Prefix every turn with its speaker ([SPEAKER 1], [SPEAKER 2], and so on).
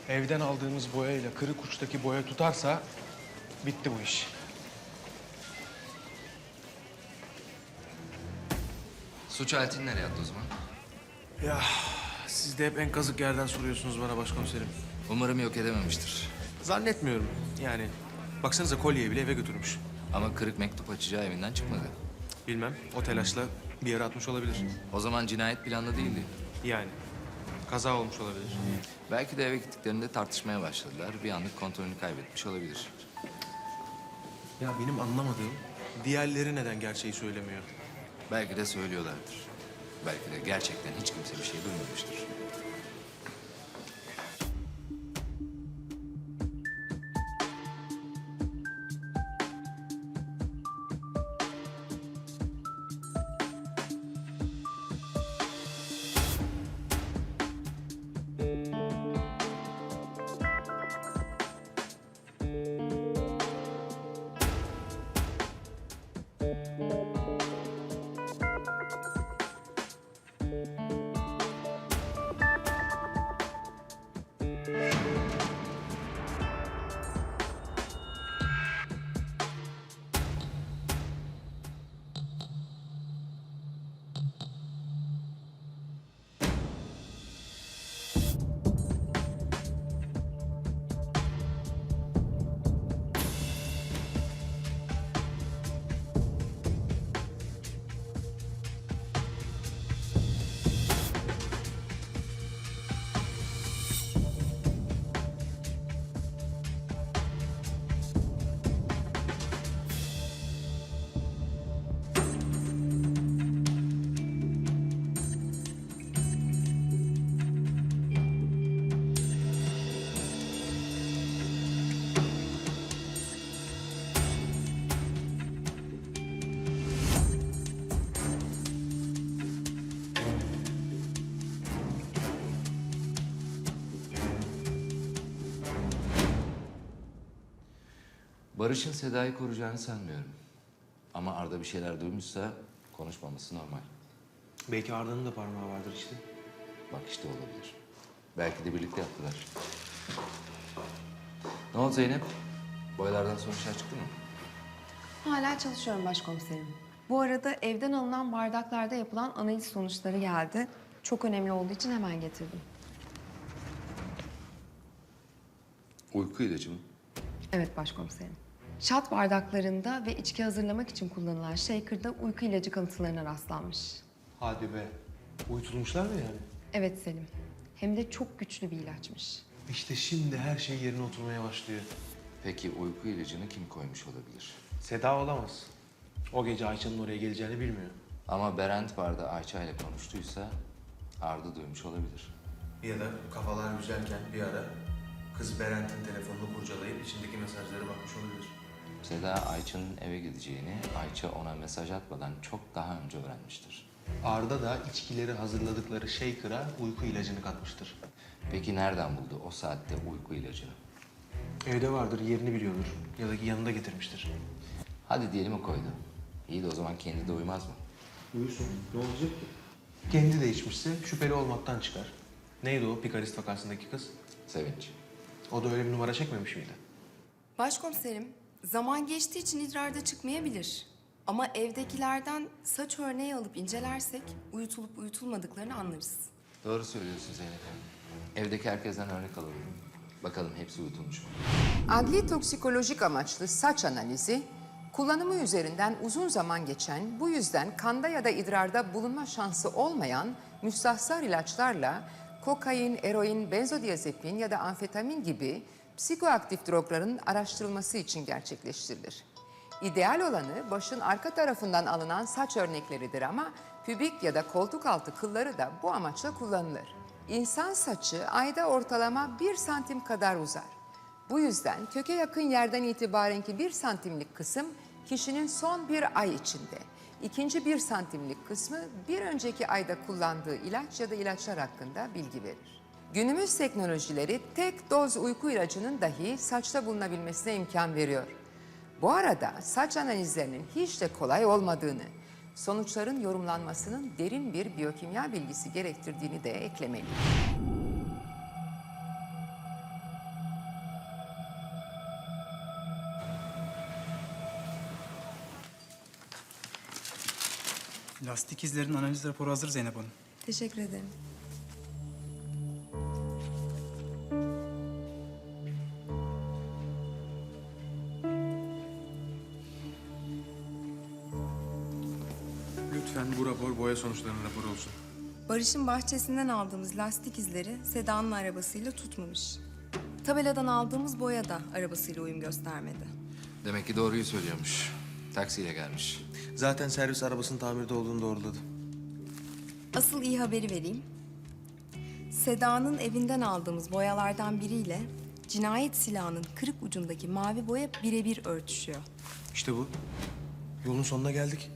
[SPEAKER 1] Evden aldığımız boyayla kırık uçtaki boya tutarsa bitti bu iş.
[SPEAKER 2] Suç aletini nereye attı o zaman?
[SPEAKER 1] Ya siz de hep en kazık yerden soruyorsunuz bana başkomiserim.
[SPEAKER 2] Umarım yok edememiştir.
[SPEAKER 1] Zannetmiyorum yani. Baksanıza kolyeyi bile eve götürmüş.
[SPEAKER 2] Ama kırık mektup açacağı evinden çıkmadı.
[SPEAKER 1] Bilmem o telaşla bir yere atmış olabilir.
[SPEAKER 2] O zaman cinayet planlı değildi.
[SPEAKER 1] Yani kaza olmuş olabilir.
[SPEAKER 2] Belki de eve gittiklerinde tartışmaya başladılar. Bir anlık kontrolünü kaybetmiş olabilir.
[SPEAKER 1] Ya benim anlamadığım diğerleri neden gerçeği söylemiyor?
[SPEAKER 2] Belki de söylüyorlardır. Belki de gerçekten hiç kimse bir şey duymamıştır. Barış'ın Seda'yı koruyacağını sanmıyorum. Ama Arda bir şeyler duymuşsa konuşmaması normal.
[SPEAKER 1] Belki Arda'nın da parmağı vardır işte.
[SPEAKER 2] Bak işte olabilir. Belki de birlikte yaptılar. Ne oldu Zeynep? Boyalardan sonuçlar çıktı mı?
[SPEAKER 3] Hala çalışıyorum başkomiserim. Bu arada evden alınan bardaklarda yapılan analiz sonuçları geldi. Çok önemli olduğu için hemen getirdim.
[SPEAKER 2] Uyku ilacı mı?
[SPEAKER 3] Evet başkomiserim. Şat bardaklarında ve içki hazırlamak için kullanılan shaker'da uyku ilacı kalıntılarına rastlanmış.
[SPEAKER 1] Hadi be. Uyutulmuşlar mı yani?
[SPEAKER 3] Evet Selim. Hem de çok güçlü bir ilaçmış.
[SPEAKER 1] İşte şimdi her şey yerine oturmaya başlıyor.
[SPEAKER 2] Peki uyku ilacını kim koymuş olabilir?
[SPEAKER 1] Seda olamaz. O gece Ayça'nın oraya geleceğini bilmiyor.
[SPEAKER 2] Ama Berent barda Ayça ile konuştuysa Arda duymuş olabilir.
[SPEAKER 1] Ya da kafalar güzelken bir ara kız Berent'in telefonunu kurcalayıp içindeki mesajlara bakmış olabilir.
[SPEAKER 2] Seda Ayça'nın eve gideceğini Ayça ona mesaj atmadan çok daha önce öğrenmiştir.
[SPEAKER 1] Arda da içkileri hazırladıkları shaker'a uyku ilacını katmıştır.
[SPEAKER 2] Peki nereden buldu o saatte uyku ilacını?
[SPEAKER 1] Evde vardır, yerini biliyordur. Ya da yanında getirmiştir.
[SPEAKER 2] Hadi diyelim o koydu. İyi de o zaman kendi de uymaz mı?
[SPEAKER 1] Uyusun. Ne olacak ki? Kendi de içmişse şüpheli olmaktan çıkar. Neydi o pikarist vakasındaki kız?
[SPEAKER 2] Sevinç.
[SPEAKER 1] O da öyle bir numara çekmemiş miydi?
[SPEAKER 3] Başkomiserim, zaman geçtiği için idrarda çıkmayabilir. Ama evdekilerden saç örneği alıp incelersek uyutulup uyutulmadıklarını anlarız.
[SPEAKER 2] Doğru söylüyorsun Zeynep Hanım. Evdeki herkesten örnek alalım. Bakalım hepsi uyutulmuş mu?
[SPEAKER 4] Adli toksikolojik amaçlı saç analizi, kullanımı üzerinden uzun zaman geçen, bu yüzden kanda ya da idrarda bulunma şansı olmayan müstahsar ilaçlarla kokain, eroin, benzodiazepin ya da amfetamin gibi psikoaktif drogların araştırılması için gerçekleştirilir. İdeal olanı başın arka tarafından alınan saç örnekleridir ama pübik ya da koltuk altı kılları da bu amaçla kullanılır. İnsan saçı ayda ortalama 1 santim kadar uzar. Bu yüzden köke yakın yerden itibarenki 1 santimlik kısım kişinin son bir ay içinde, ikinci 1 santimlik kısmı bir önceki ayda kullandığı ilaç ya da ilaçlar hakkında bilgi verir. Günümüz teknolojileri tek doz uyku ilacının dahi saçta bulunabilmesine imkan veriyor. Bu arada saç analizlerinin hiç de kolay olmadığını, sonuçların yorumlanmasının derin bir biyokimya bilgisi gerektirdiğini de eklemeliyim.
[SPEAKER 5] Lastik izlerin analiz raporu hazır Zeynep Hanım.
[SPEAKER 3] Teşekkür ederim.
[SPEAKER 1] Lütfen bu rapor boya sonuçlarının raporu olsun.
[SPEAKER 3] Barış'ın bahçesinden aldığımız lastik izleri Seda'nın arabasıyla tutmamış. Tabeladan aldığımız boya da arabasıyla uyum göstermedi.
[SPEAKER 2] Demek ki doğruyu söylüyormuş. Taksiyle gelmiş.
[SPEAKER 1] Zaten servis arabasının tamirde olduğunu doğruladı.
[SPEAKER 3] Asıl iyi haberi vereyim. Seda'nın evinden aldığımız boyalardan biriyle cinayet silahının kırık ucundaki mavi boya birebir örtüşüyor.
[SPEAKER 1] İşte bu. Yolun sonuna geldik.